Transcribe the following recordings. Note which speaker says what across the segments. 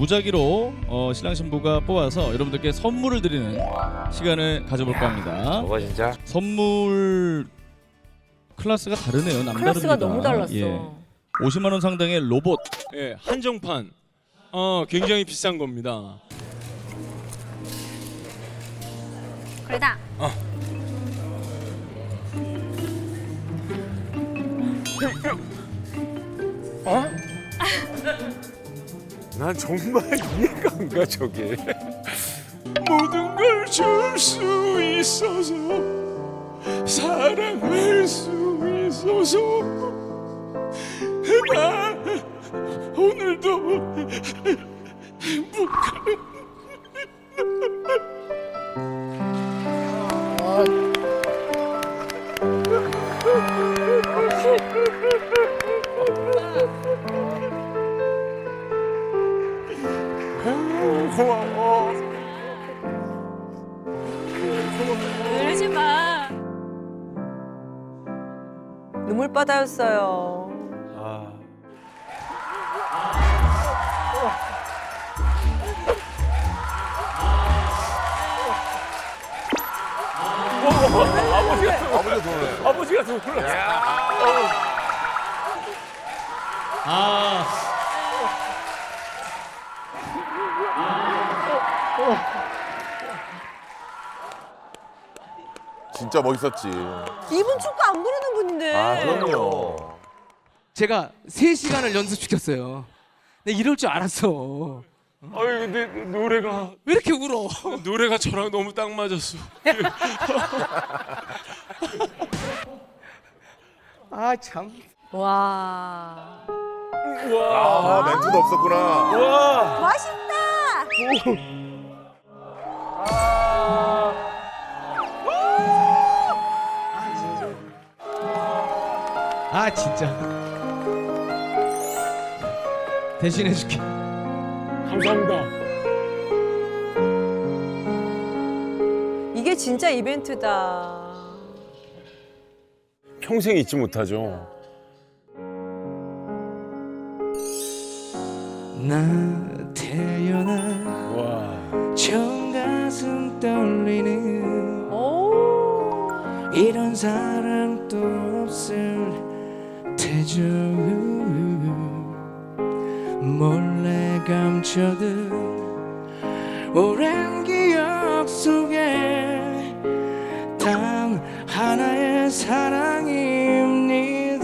Speaker 1: 무작위로 신랑 신부가 뽑아서 여러분들께 선물을 드리는 시간을 가져볼까 합니다.
Speaker 2: 저거 진짜
Speaker 1: 선물 클래스가 다르네요. 남다릅니다.
Speaker 3: 클래스가 너무 달랐어.
Speaker 1: 예. 50만 원 상당의 로봇.
Speaker 4: 예, 한정판. 굉장히 비싼 겁니다.
Speaker 5: 그러다.
Speaker 2: 난 정말 이해가 안 가 저게.
Speaker 4: 모든 걸 줄 수 있어서 사랑할 수 있어서 나 오늘도 행복해.
Speaker 2: 고마워.
Speaker 5: 울지 마.
Speaker 3: 눈물바다였어요.
Speaker 2: 아. 아버지가 더 놀랐어.
Speaker 1: 아.
Speaker 6: 진짜 멋있었지.
Speaker 3: 이분 축구 안 부르는 분인데.
Speaker 6: 아, 그럼요.
Speaker 7: 제가 3시간을 연습시켰어요. 근데 이럴 줄 알았어.
Speaker 4: 아유 근데 노래가
Speaker 7: 왜 이렇게 울어?
Speaker 4: 노래가 저랑 너무 딱 맞았어.
Speaker 7: 아 참.
Speaker 3: 와.
Speaker 6: 아, 멘트도 없었구나.
Speaker 3: 맛있다.
Speaker 7: 아 진짜. 대신해줄게.
Speaker 4: 감사합니다.
Speaker 3: 이게 진짜 이벤트다.
Speaker 2: 평생 잊지 못하죠.
Speaker 7: 나 태어나
Speaker 2: 와.
Speaker 7: 처음 가슴 떨리는
Speaker 3: 오.
Speaker 7: 이런 사람 또 없을 테죠. 몰래 감춰둔 오랜 기억 속에 단 하나의 사랑입니다.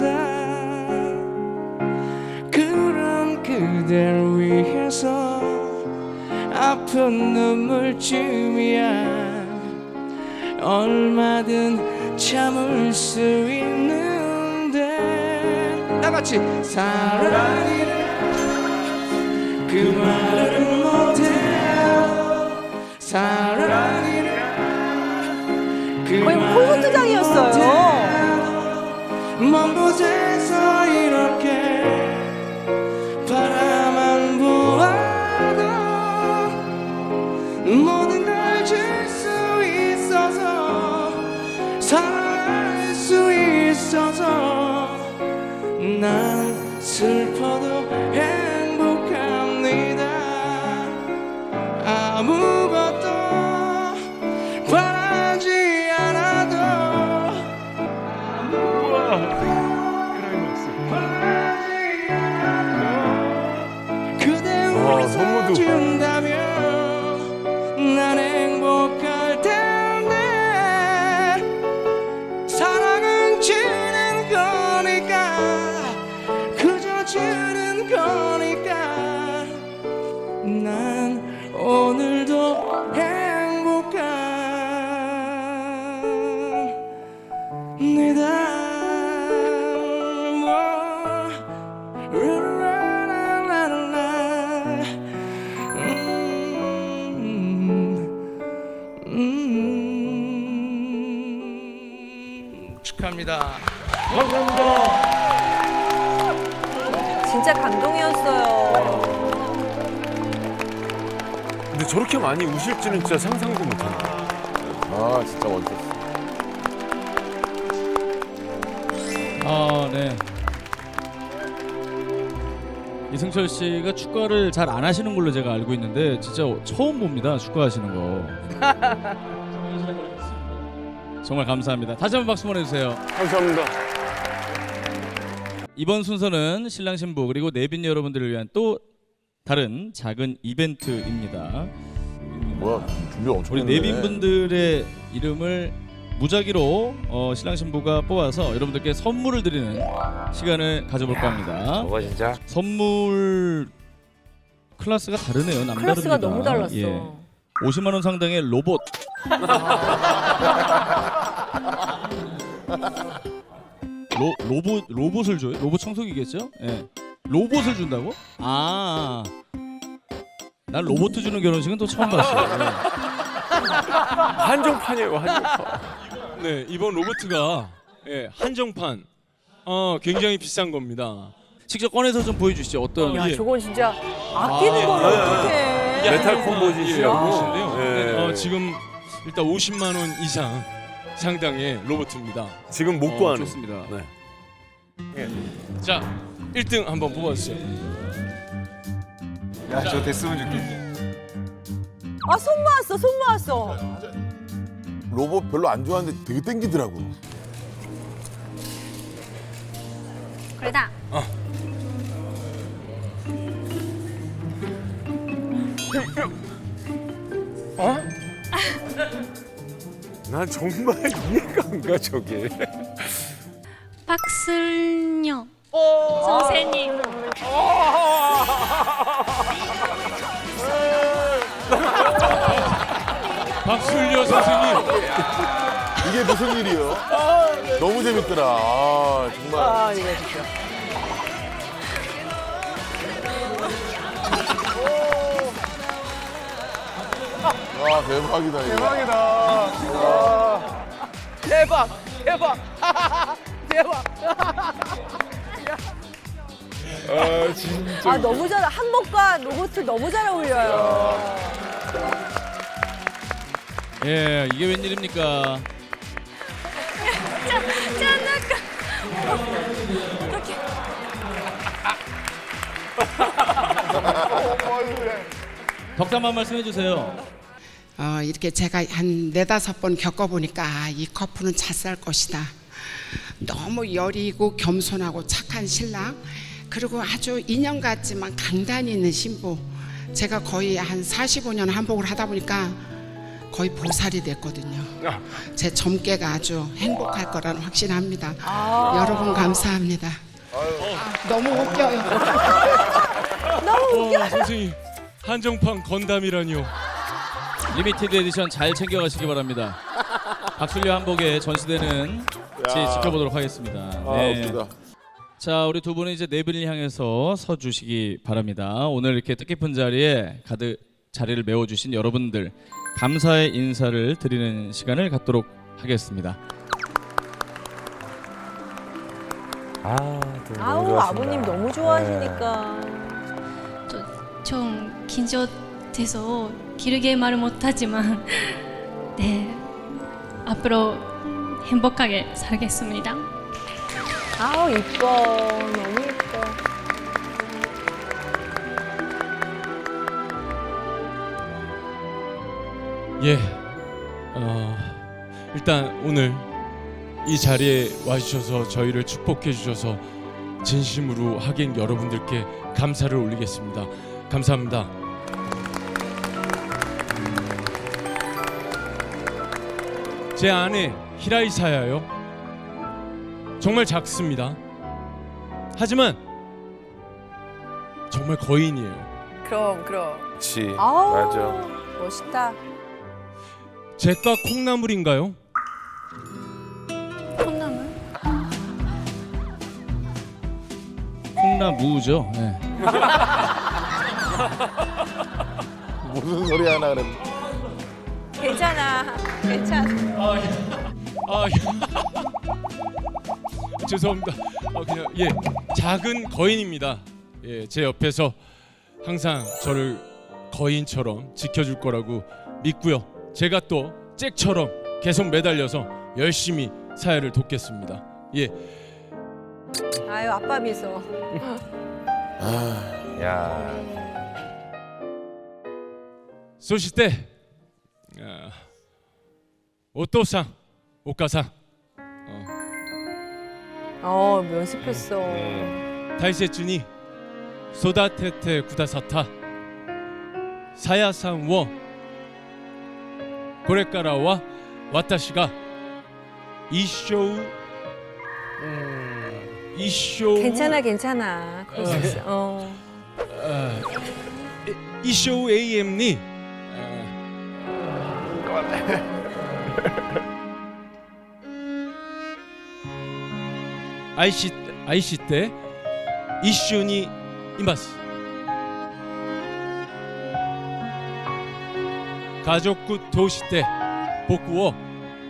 Speaker 7: 그런 그댈 위해서 아픈 눈물쯤이야 얼마든 참을 수 있는데 나같이 사랑이라 그 말을 못해요. 사랑이라 그
Speaker 3: 거의
Speaker 7: 말을
Speaker 3: 홀로트장이었어요.
Speaker 7: 못해요. 먼 곳에서 이렇게 바라만 보아도 모든 걸 줄 수 있어서 사랑할 수 있어서 난 슬퍼도 행복합니다. 아무것도 바라지 않아도 바라지 않아도 그대
Speaker 2: 선물도.
Speaker 7: 웃어준다면 난 행복할 텐데 사랑은 주는 거니까 그저 주는 거니까 난 오늘도 행복합니다. 축하합니다.
Speaker 3: 진짜 감동이었어요.
Speaker 2: 근데 저렇게 많이 우실지는 진짜 상상도 못한다.
Speaker 6: 아, 진짜 멋있었어.
Speaker 1: 아, 네. 이승철 씨가 축구를 잘 안 하시는 걸로 제가 알고 있는데 진짜 처음 봅니다. 축구하시는 거. 정말 감사합니다. 다시 한번 박수 보내주세요.
Speaker 4: 감사합니다.
Speaker 1: 이번 순서는 신랑 신부 그리고 내빈 여러분들을 위한 또 다른 작은 이벤트입니다.
Speaker 6: 뭐야 준비 엄청
Speaker 1: 우리
Speaker 6: 했네.
Speaker 1: 내빈 분들의 이름을 무작위로 신랑 신부가 뽑아서 여러분들께 선물을 드리는 시간을 가져볼까 합니다.
Speaker 2: 저거 진짜.
Speaker 1: 선물 클래스가 다르네요. 남다릅니다.
Speaker 3: 클래스가 너무 달랐어.
Speaker 1: 예. 50만 원 상당의 로봇. 로봇을 줘요? 로봇 청소기겠죠? 예. 로봇을 준다고? 아. 난 로봇 주는 결혼식은 또 처음 봤어요. 예.
Speaker 2: 한정판이에요, 한정판.
Speaker 4: 네, 이번 로봇가 한정판. 굉장히 비싼 겁니다.
Speaker 1: 직접 꺼내서 좀 보여주시죠. 어떤?
Speaker 3: 야,
Speaker 4: 예.
Speaker 3: 저건 진짜 아끼는 걸 어떡해.
Speaker 2: 메탈 콤보짓이라고.
Speaker 4: 로봇인데요.
Speaker 2: 예.
Speaker 4: 지금 일단 50만 원 이상 상당의 로봇입니다.
Speaker 2: 지금 못 구하는.
Speaker 1: 좋습니다.
Speaker 2: 네.
Speaker 4: 자, 1등 한번 뽑아주세요.
Speaker 8: 야, 저 됐으면 좋겠네.
Speaker 3: 아, 손 모았어, 손 모았어.
Speaker 6: 로봇 별로 안 좋아하는데 되게 땡기더라고.
Speaker 5: これだ
Speaker 2: 난 정말 이해가 안 가, 저게.
Speaker 5: 박슬녀 선생님
Speaker 4: 박술려 선생님.
Speaker 6: 이게 무슨 일이요? 너무 재밌더라. 아, 정말.
Speaker 3: 아, 이거 진짜.
Speaker 6: 와 대박이다 이거.
Speaker 7: 대박 대박 대박.
Speaker 2: 아, 진짜.
Speaker 3: 아, 너무 잘, 한복과 로봇을 너무 잘 어울려요.
Speaker 1: 예, 이게 웬일입니까? 덕담 한 말씀 해주세요.
Speaker 9: 이렇게 제가 한 4-5번 겪어보니까 이 커플은 잘 살 것이다. 너무 여리고 겸손하고 착한 신랑, 그리고 아주 인형 같지만 강단이 있는 신부. 제가 거의 한 45년 한복을 하다 보니까 거의 보살이 됐거든요. 제 점괘가 아주 행복할 거라는 확신합니다. 여러분 감사합니다. 너무 웃겨요.
Speaker 4: 선생님, 한정판 건담이라니요.
Speaker 1: 리미티드 에디션 잘 챙겨가시기 바랍니다. 박술려 한복에 전시되는 지켜보도록 하겠습니다.
Speaker 6: 아 웃기다.
Speaker 1: 자, 우리 두 분은 이제 내빈을 향해서 서주시기 바랍니다. 오늘 이렇게 뜻깊은 자리에 가득 자리를 메워주신 여러분들 감사의 인사를 드리는 시간을 갖도록 하겠습니다.
Speaker 2: 아,
Speaker 3: 아우, 아버님 너무 좋아하시니까.
Speaker 5: 좀 긴장돼서 길게 말을 못하지만 네 앞으로 행복하게 살겠습니다.
Speaker 3: 아우, 이뻐. 너무 이뻐.
Speaker 4: 예, 일단 오늘 이 자리에 와주셔서 저희를 축복해 주셔서 진심으로 하객 여러분들께 감사를 올리겠습니다. 감사합니다. 제 아내 히라이사야요. 정말 작습니다. 하지만 정말 거인이에요.
Speaker 3: 그럼.
Speaker 2: 그렇지.
Speaker 3: 아우,
Speaker 2: 맞아.
Speaker 3: 멋있다.
Speaker 4: 제과 콩나물인가요?
Speaker 5: 콩나물?
Speaker 1: 콩나무죠. 네.
Speaker 6: 무슨 소리 하나 그랬.
Speaker 3: 괜찮아.
Speaker 4: 죄송합니다. 그냥 작은 거인입니다. 제 옆에서 항상 저를 거인처럼 지켜줄 거라고 믿고요. 제가 또 잭처럼 계속 매달려서 열심히 사회를 돕겠습니다.
Speaker 3: 아유, 아빠 미소.
Speaker 6: 아
Speaker 2: 야.
Speaker 4: そしてお父さんお母さん
Speaker 3: 연습했어.
Speaker 4: 大切に育ててくださったさやさんをこれからは私が一生
Speaker 3: 괜찮아, 괜찮아. 그럴 수 있어.
Speaker 4: 一生永遠に愛して一緒にいます。家族として僕を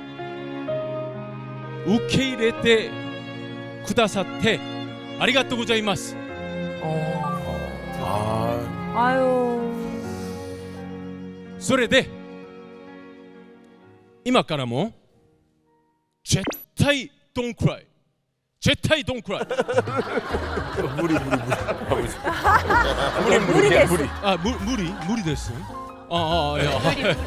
Speaker 4: 受け入れてくださってありがとうございます。
Speaker 3: 아유.
Speaker 4: それで今からも絶対 don't cry 絶対 don't cry
Speaker 2: 무리.
Speaker 3: 물이 됐어.
Speaker 4: 아 무리 됐어. 야.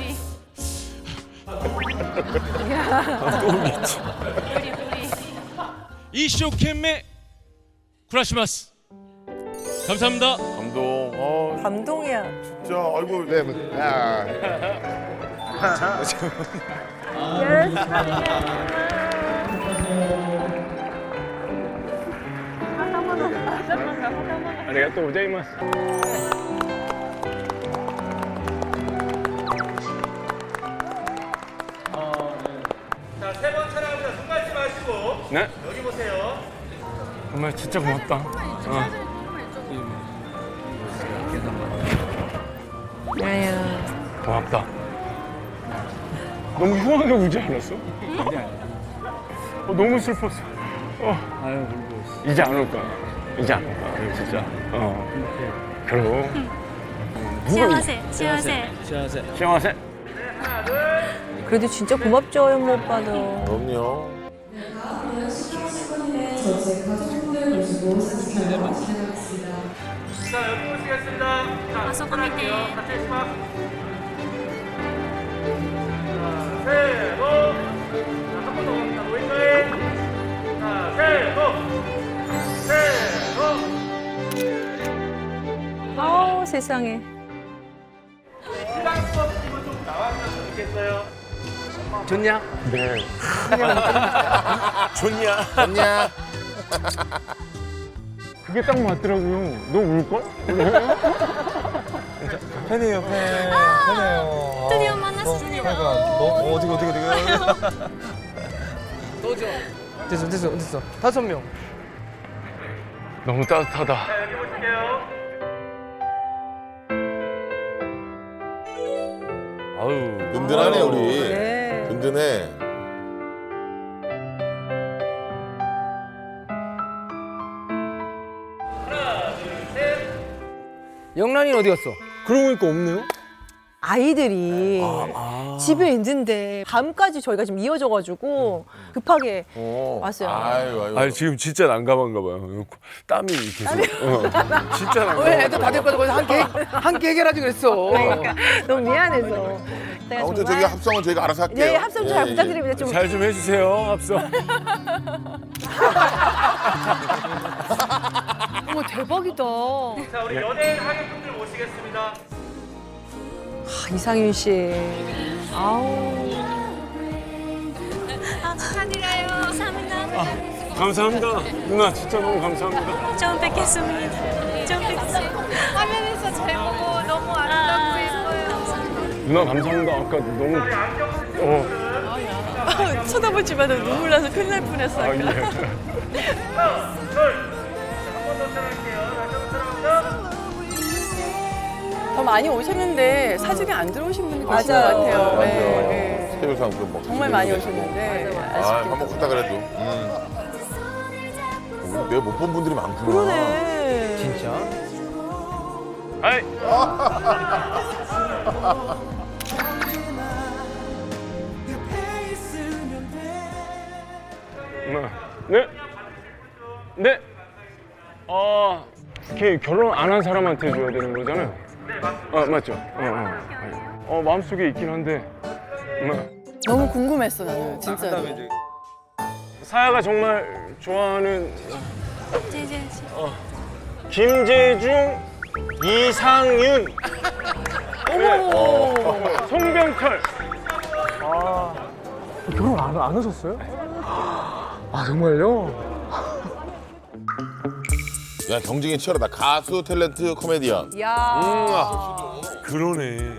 Speaker 4: 이쇼케메 쿠라시마스. 감사합니다.
Speaker 6: 감동.
Speaker 3: 감동이야.
Speaker 6: 진짜 아이고. 네.
Speaker 4: 아리가또 고자이마스.
Speaker 7: 자, 세 번 촬영합니다. 손 밟지 마시고.
Speaker 4: 네?
Speaker 7: 여기 보세요.
Speaker 4: 정말 진짜 고맙다.
Speaker 3: 아유.
Speaker 4: 고맙다. 너무 흉하게 울지 않았어? 너무 슬펐어. 이제 안 올 거야. 이제 안 올 거야. 진짜. 그럼.
Speaker 5: 幸せ幸せ
Speaker 4: 시원하세.
Speaker 3: 그래도 진짜 고맙죠, 현모 오빠도.
Speaker 6: 그럼요.
Speaker 7: 자, 여기 보시겠습니다. 자,
Speaker 5: 아, 소금이네.
Speaker 7: 같이 해주마. 자, 세고. 자, 한 번 더 갑니다. 노인과에. 자, 세고.
Speaker 3: 아우, 세상에.
Speaker 7: 시간 수업팀은 좀 나와주셨으면 좋겠어요. 좋냐?
Speaker 4: 네.
Speaker 6: 좋냐?
Speaker 4: 그게 딱 맞더라고요. 너 울걸?
Speaker 2: 팬이에요, 팬. 팬이에요.
Speaker 5: 드디어 만났습니다.
Speaker 2: 어디가.
Speaker 7: 너죠? 됐어. 5명.
Speaker 4: 너무 따뜻하다.
Speaker 7: 자, 여기 보실게요.
Speaker 2: 아유.
Speaker 6: 든든하네 우리.
Speaker 3: 네.
Speaker 6: 든든해.
Speaker 7: 영란이는 어디 갔어?
Speaker 2: 그러고 보니까 없네요.
Speaker 3: 아이들이 집에 있는데 밤까지 저희가 지금 이어져가지고 급하게 왔어요.
Speaker 6: 아유.
Speaker 2: 아니 지금 진짜 난감한가 봐요. 땀이 계속. 진짜 난감해.
Speaker 7: 왜 애들 다 데리고 가서 거기서 함께 해결하지 그랬어.
Speaker 3: 그러니까 너무 미안해서. 내가
Speaker 6: 아무튼 저기
Speaker 3: 정말
Speaker 6: 합성은 저희가 알아서 할게요.
Speaker 3: 네, 합성 잘
Speaker 6: 예.
Speaker 3: 부탁드립니다. 좀
Speaker 2: 잘 좀 해주세요, 합성.
Speaker 3: 어머 대박이다.
Speaker 7: 자, 우리 연예인 하객분들 모시겠습니다.
Speaker 3: 이상윤 씨. 아우.
Speaker 5: 축하드려요. 감사합니다.
Speaker 4: 감사합니다. 누나 진짜 너무 감사합니다.
Speaker 5: 처음 뵙겠습니다. 처음 뵙겠습니다. 화면에서 잘 보고 너무 아름답고 예뻐요.
Speaker 4: 누나 감사합니다. 아까 너무
Speaker 3: 쳐다보지 마도 눈물 나서 큰일 날 뻔했어.
Speaker 7: 하나, 둘. 자, 한 번 더 촬영할게요. 다시 한번 촬영합니다.
Speaker 8: 더 많이 오셨는데 사진이 안 들어오신 분이 계신 것
Speaker 3: 맞아요.
Speaker 8: 같아요.
Speaker 6: 맞아.
Speaker 8: 네.
Speaker 6: 스케줄상 그 뭐.
Speaker 8: 정말 많이 오셨는데
Speaker 6: 한번 갔다 그래도. 내가 못 본 분들이 많구나.
Speaker 3: 그러네.
Speaker 7: 진짜?
Speaker 4: 아이. 누나. 네.
Speaker 2: 이렇게 결혼 안 한 사람한테 줘야 되는 거잖아요. 맞죠. 마음속에 있긴 한데.
Speaker 8: 너무 궁금했어 나는 진짜.
Speaker 2: 사야가 정말 좋아하는
Speaker 5: 제제 씨.
Speaker 2: 김재중, 이상윤, 송병철.
Speaker 7: 결혼 안 하셨어요? 아 정말요?
Speaker 6: 야 경쟁이 치열하다. 가수, 탤런트, 코미디언.
Speaker 3: 야.
Speaker 2: 그러네.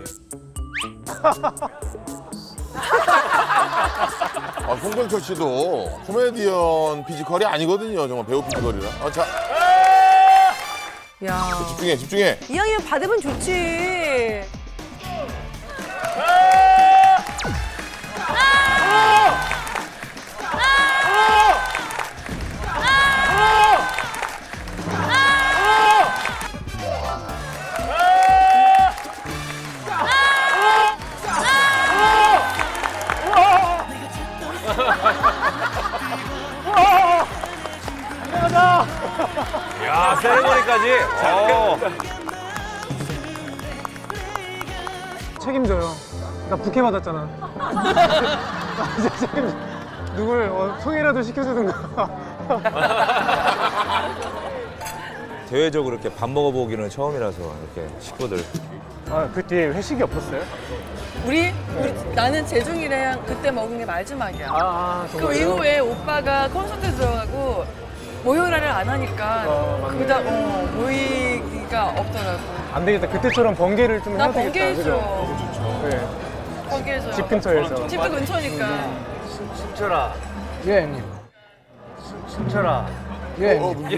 Speaker 6: 송병철 씨도 코미디언 피지컬이 아니거든요. 정말 배우 피지컬이라. 자
Speaker 3: 야.
Speaker 6: 집중해, 집중해.
Speaker 3: 이왕이면 받으면 좋지.
Speaker 2: 야, 세레머니까지.
Speaker 7: 책임져요. 나 부캐 받았잖아. 나 이제 책임져. 누굴 소개라도 시켜주든가.
Speaker 10: 대외적으로 이렇게 밥 먹어보기는 처음이라서 이렇게 식구들.
Speaker 7: 그 뒤에 회식이 없었어요?
Speaker 8: 우리 나는 재중이랑 그때 먹은 게 마지막이야. 그
Speaker 7: 정말요?
Speaker 8: 이후에 오빠가 콘서트 들어가고 모여라를 안 하니까 그다음 모이기가 없더라고.
Speaker 7: 안 되겠다. 그때처럼 번개를 좀
Speaker 8: 나
Speaker 7: 해야 되겠다.
Speaker 8: 번개
Speaker 7: 그죠?
Speaker 8: 해줘.
Speaker 7: 네.
Speaker 8: 번개 해줘.
Speaker 7: 집 근처에서.
Speaker 8: 집도 근처니까.
Speaker 10: 승철아.
Speaker 7: 예, 형님.
Speaker 10: 승철아.
Speaker 7: 예, 형님.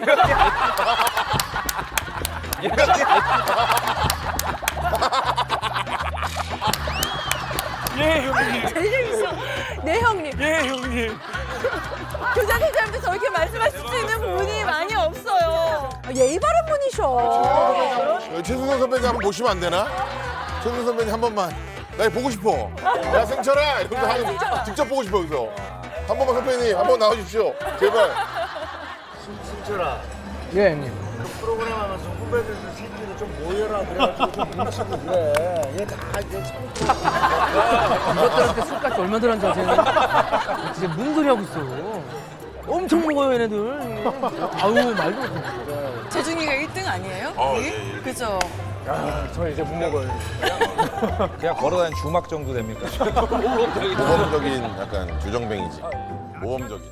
Speaker 3: 제일 재밌어. 네 형님.
Speaker 2: 예, 형님.
Speaker 3: 교장선생님한테 저렇게 말씀하실 수 있는 분이 많이 없어요. 예의 바른 분이셔.
Speaker 6: 최승선 선배님 한번 모시면 안 되나? 최승선 선배님 한 번만. 나 보고 싶어. 야 승철아 이러면서 하는 직접 보고 싶어 여기서. 한 번만 선배님 한 번 나와주십시오. 제발.
Speaker 10: 승철아.
Speaker 7: 예, 형님.
Speaker 10: 프로그램 하면서 후배들 새끼들 좀 모여라 그래가지고 좀 뭉치고 그래. 얘다 이제 참.
Speaker 11: 이것들한테 술까지 얼마 들었는지 아세요? 진짜 무슨 소리 하고 있어. 엄청 먹어요 얘네들. 아유 말도 못해.
Speaker 8: 재중이가 1등 아니에요? 여기? 그죠?
Speaker 7: 야, 저 이제 못 먹어요.
Speaker 10: 그냥 걸어다니는 주막 정도 됩니까?
Speaker 6: 모범적인 약간 주정뱅이지. 모범적인.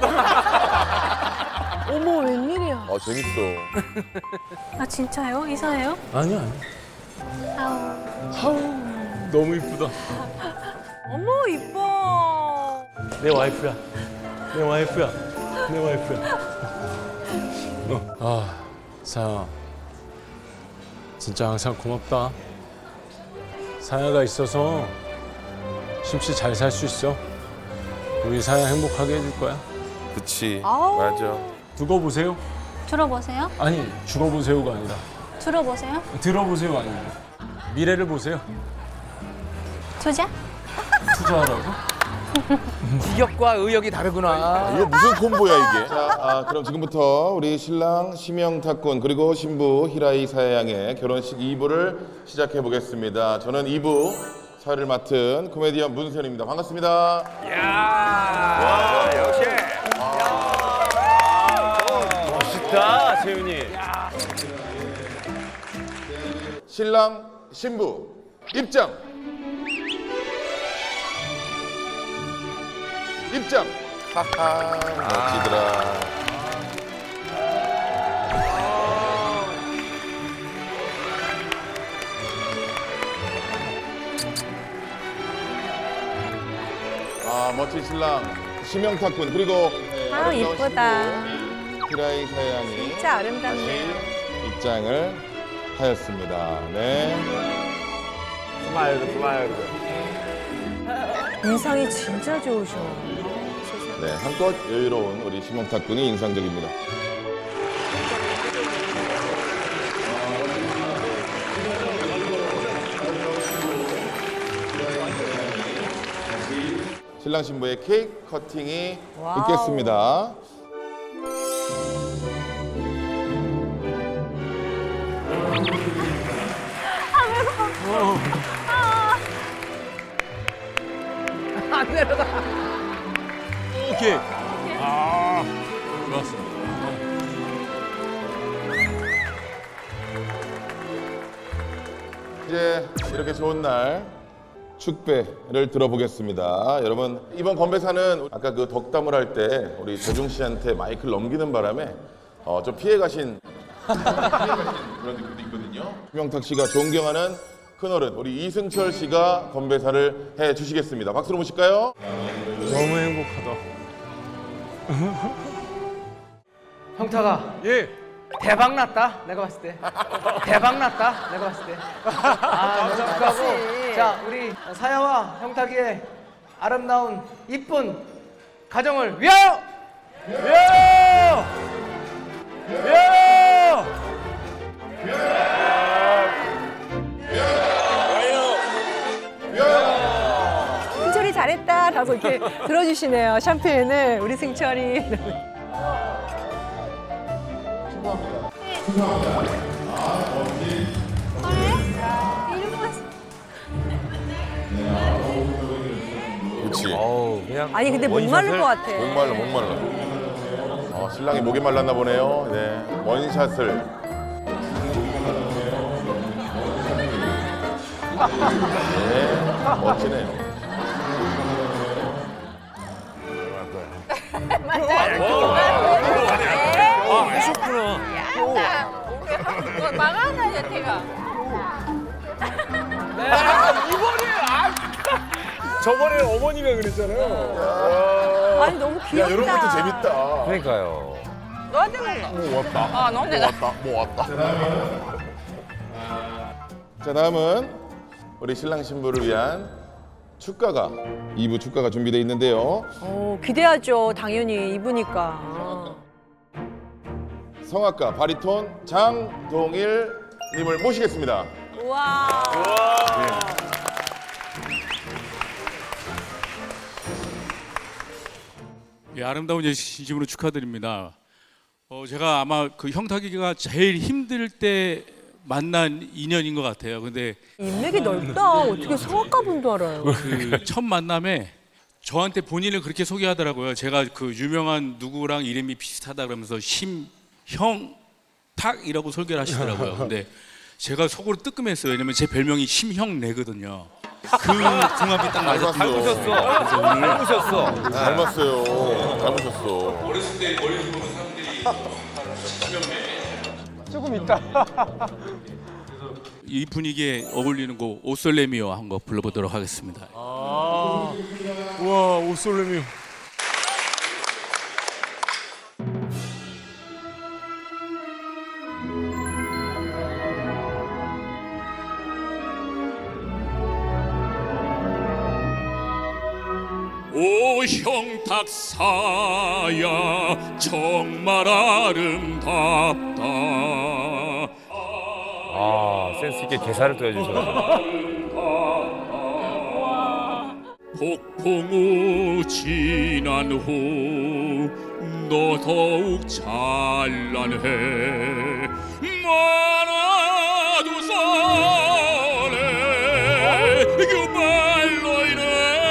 Speaker 3: 어머 웬일이야.
Speaker 6: 재밌어.
Speaker 5: 아 진짜요? 이사예요?
Speaker 4: 아니야.
Speaker 5: 아우.
Speaker 4: 너무 이쁘다.
Speaker 3: 어머 이뻐.
Speaker 4: 내 와이프야. 내 와이프야. 내 와이프야. 사야. 진짜 항상 고맙다. 사야가 있어서 심씨 잘 살 수 있어. 우리 사야 행복하게 해줄 거야.
Speaker 6: 그치.
Speaker 3: 아우.
Speaker 6: 맞아.
Speaker 4: 두고 보세요.
Speaker 5: 들어보세요.
Speaker 4: 아니 죽어보세요가 아니라
Speaker 5: 들어보세요.
Speaker 4: 들어보세요가 아니라 미래를 보세요.
Speaker 5: 투자?
Speaker 4: 투자하라고?
Speaker 11: 기력과 의욕이 다르구나.
Speaker 6: 이게 무슨 콤보야 이게? 자, 그럼 지금부터 우리 신랑 심영탁군 그리고 신부 히라이 사야양의 결혼식 2부를 시작해 보겠습니다. 저는 2부 사회를 맡은 코미디언 문세현입니다. 반갑습니다.
Speaker 2: 와, 역시. 멋있다, 세윤이.
Speaker 6: 신랑 신부 입장. 입장. 하하 멋지더라. 멋진 신랑 심영탁군 그리고
Speaker 3: 아우 이쁘다.
Speaker 6: 히라이 사양이
Speaker 3: 진짜 아름답네요.
Speaker 6: 입장을 하였습니다. 네.
Speaker 2: 스마일.
Speaker 3: 인상이 진짜 좋으셔.
Speaker 6: 네, 한껏 여유로운 우리 심영탁군이 인상적입니다. 신랑 신부의 케이크 커팅이
Speaker 3: 와우.
Speaker 6: 있겠습니다.
Speaker 11: 안 내려가.
Speaker 4: 오케이. 아, 좋았어.
Speaker 6: 이제 이렇게 좋은 날 축배를 들어보겠습니다. 여러분 이번 건배사는 아까 그 덕담을 할 때 우리 재중 씨한테 마이크를 넘기는 바람에 좀 피해 가신 그런 느낌도 있거든요. 김영탁 씨가 존경하는 큰어른 우리 이승철 씨가 건배사를 해 주시겠습니다. 박수로 모실까요?
Speaker 2: 너무 행복하다.
Speaker 11: 형타가
Speaker 2: 예.
Speaker 11: 대박 났다. 내가 봤을 때. 대박 났다. 내가 봤을 때. 아, 너무 축하하고. 자, 우리 사야와 형탁이의 아름다운 이쁜 가정을 위하여! 위하여! 위하여!
Speaker 3: 승철이 잘했다 라고 이렇게 들어주시네요. 샴페인을 우리 승철이.
Speaker 6: 그렇지.
Speaker 3: 아니 근데 목마를 것 같아.
Speaker 6: 목말라. 신랑이 목이 말랐나 보네요. 네, 원샷을. 네, 멋지네요.
Speaker 5: 하셨구나. 망하나 여태가.
Speaker 2: 저번에 어머니가 그랬잖아요.
Speaker 3: 아니 너무 귀엽다.
Speaker 6: 이런 것도 재밌다.
Speaker 10: 그러니까요.
Speaker 5: 너한테 먹어.
Speaker 6: 뭐 왔다.
Speaker 5: 아, 너한테 나.
Speaker 6: 뭐 왔다. 자, 다음은 우리 신랑 신부를 위한 축가가 2부 축가가 준비되어 있는데요.
Speaker 3: 기대하죠. 당연히 입으니까.
Speaker 6: 성악가 바리톤 장동일 님을 모시겠습니다.
Speaker 3: 우와.
Speaker 4: 예, 아름다운 진심으로 축하드립니다. 제가 아마 그 형탁이가 제일 힘들 때 만난 인연인 것 같아요. 근데
Speaker 3: 인맥이 넓다. 어떻게 성악가분도 알아요.
Speaker 4: 그 첫 만남에 저한테 본인을 그렇게 소개하더라고요. 제가 그 유명한 누구랑 이름이 비슷하다 그러면서 심형탁이라고 소개를 하시더라고요. 근데 제가 속으로 뜨끔했어요. 왜냐면 제 별명이 심형래거든요. 그 궁합이 딱 맞았어요.
Speaker 10: 닮으셨어.
Speaker 6: 닮았어요. 닮으셨어.
Speaker 4: 어렸을 때 머리 보는 사람들이
Speaker 2: 조금 있다.
Speaker 4: 이 분위기에 어울리는 곡 오솔레미오 한 거 불러보도록 하겠습니다.
Speaker 2: 우와, 오솔레미오.
Speaker 4: 오 형탁사야 정말 아름답다.
Speaker 10: 아, 센스 있게 개사를 또 해주셔서.
Speaker 4: 폭풍우 지난 후 너 더욱 찬란해. 많아도 설레 유발로 인해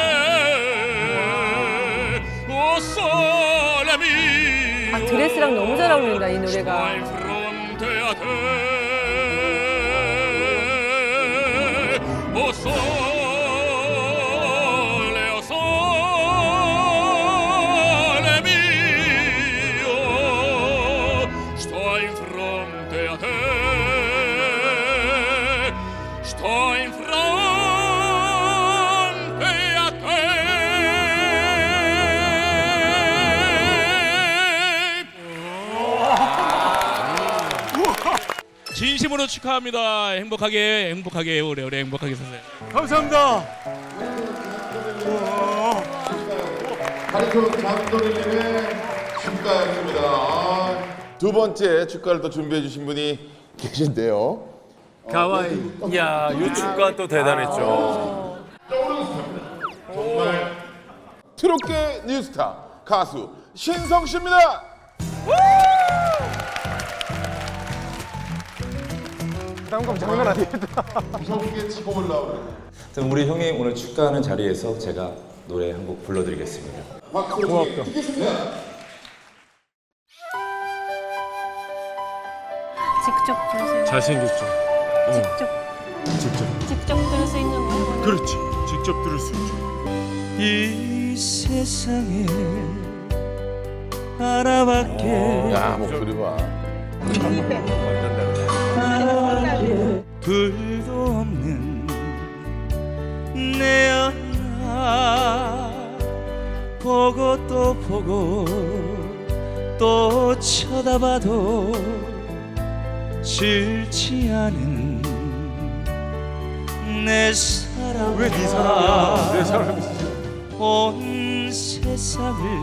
Speaker 4: 오 설레미.
Speaker 3: 아 드레스랑 너무 잘 어울린다 이 노래가.
Speaker 4: 오 설레어 진심으로 축하합니다. 행복하게 오래오래 행복하게 사세요.
Speaker 2: 감사합니다.
Speaker 6: 바리톤 장동일님의 축가였습니다. 두 번째 축가를 또 준비해 주신 분이 계신데요.
Speaker 2: 가와이.
Speaker 10: 이야, 이 축가 또 대단했죠.
Speaker 6: 정말 트롯계 뉴스타 가수 신성 씨입니다.
Speaker 2: 부담감 장난 아니겠다.
Speaker 6: 무섭게 치고 올라오네.
Speaker 12: 우리 형이 오늘 축하하는 자리에서 제가 노래 한 곡 불러드리겠습니다.
Speaker 6: 고맙다.
Speaker 5: 직접 들으세요.
Speaker 10: 잘생겼죠?
Speaker 5: 직접 들을 수 있는 노래.
Speaker 10: 그렇지. 직접 들을 수 있죠.
Speaker 1: 이 세상에 하나밖에
Speaker 6: 야, 목소리 봐.
Speaker 1: 하나밖에 둘도 없는 내 연아 보고 또 보고 또 쳐다봐도 싫지 않은 내 사랑.
Speaker 2: 왜 네 사람이야? 내 사람이지.
Speaker 1: 온 세상을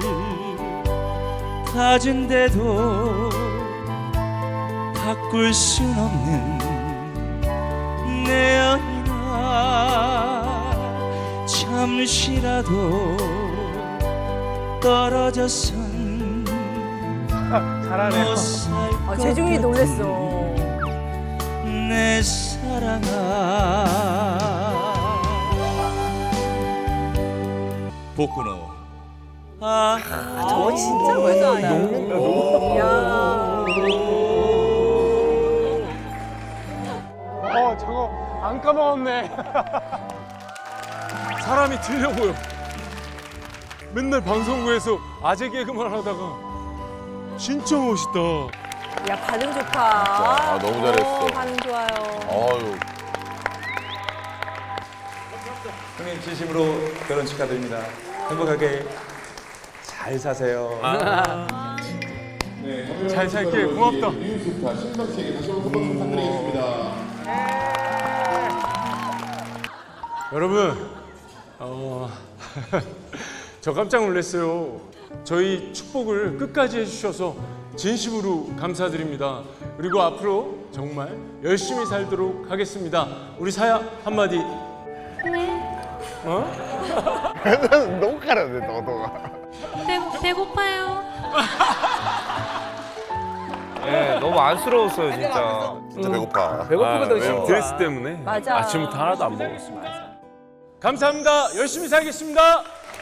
Speaker 1: 가진데도 바꿀 순 없는 내 연인아 잠시라도 떨어져선
Speaker 2: 잘하네.
Speaker 1: 못 살 것
Speaker 3: 재중이 놀랬어.
Speaker 1: 내 사랑아 복근호
Speaker 3: 저거 진짜 외도하다.
Speaker 2: 저거 안 까먹었네. 사람이 틀려 보여. 맨날 방송국에서 아재 개그만 하다가 진짜 멋있다.
Speaker 3: 야 반응 좋다.
Speaker 6: 아, 너무 잘했어.
Speaker 3: 반응 좋아요.
Speaker 6: 어유.
Speaker 12: 형님 진심으로 결혼 축하드립니다. 행복하게 잘 사세요.
Speaker 2: 잘 살게. 고맙다.
Speaker 6: 리우스타 신박 씨에게 다시 한번 박수 부탁드리겠습니다.
Speaker 2: 여러분, 저 깜짝 놀랐어요. 저희 축복을 끝까지 해주셔서 진심으로 감사드립니다. 그리고 앞으로 정말 열심히 살도록 하겠습니다. 우리 사야 한마디.
Speaker 10: 너무 가라네, 너가.
Speaker 5: 배고파요.
Speaker 11: 네, 너무 안쓰러웠어요 진짜.
Speaker 6: 진짜 배고파.
Speaker 11: 배고프거든 진짜.
Speaker 2: 드레스 때문에
Speaker 3: 맞아.
Speaker 2: 아침부터 하나도 안 먹었어. 감사합니다. 열심히 살겠습니다.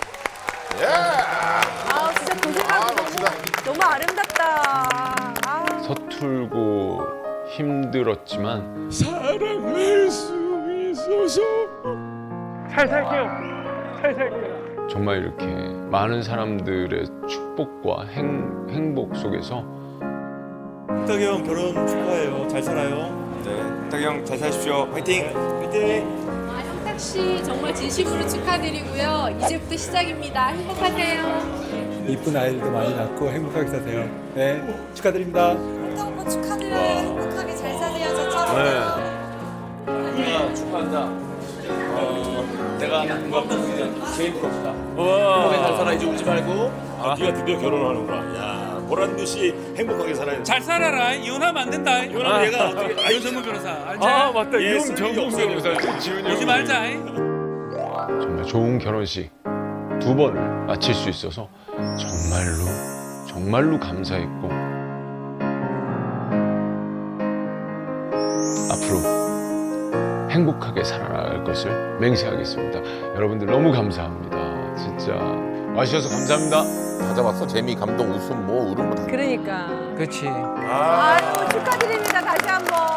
Speaker 3: 아 진짜 고생하고 너무 아름답다. 아.
Speaker 13: 서툴고 힘들었지만
Speaker 2: 사랑할 수 있어서 잘 살게요. 잘 살게요.
Speaker 13: 정말 이렇게 많은 사람들의 축복과 행복 속에서
Speaker 12: 탁이 형 결혼 축하해요. 잘 살아요. 네, 탁이 형 잘 사십시오. 화이팅! 화이팅!
Speaker 5: 형탁 씨 정말 진심으로 축하드리고요. 이제부터 시작입니다. 행복하세요.
Speaker 12: 이쁜 아이들도 많이 낳고 행복하게 사세요. 네, 축하드립니다.
Speaker 5: 형탁 오빠 축하드려요. 행복하게 잘 사세요. 저처럼.
Speaker 1: 축하한다. 내가 건강한 제일 부럽다. 행복하게 잘 살아. 이제 울지 말고.
Speaker 12: 네가 드디어 결혼하는구나. 야, 보란 듯이 행복하게 살아야
Speaker 4: 잘 살아라. 이혼하면 안 된다.
Speaker 12: 이혼하면 얘가 어떻게
Speaker 4: 이혼전문 변호사. 알지?
Speaker 2: 맞다.
Speaker 12: 예,
Speaker 2: 이혼 전문 변호사 지훈이
Speaker 4: 오지 말자.
Speaker 13: 정말 좋은 결혼식 2번을 마칠 수 있어서 정말로 감사했고 앞으로 행복하게 살아갈 것을 맹세하겠습니다. 여러분들 너무 감사합니다. 진짜 와주셔서 감사합니다.
Speaker 6: 다 잡았어. 재미, 감동, 웃음, 뭐 울음 뭐 다.
Speaker 3: 그러니까.
Speaker 11: 그렇지.
Speaker 3: 아유 축하드립니다 다시 한번.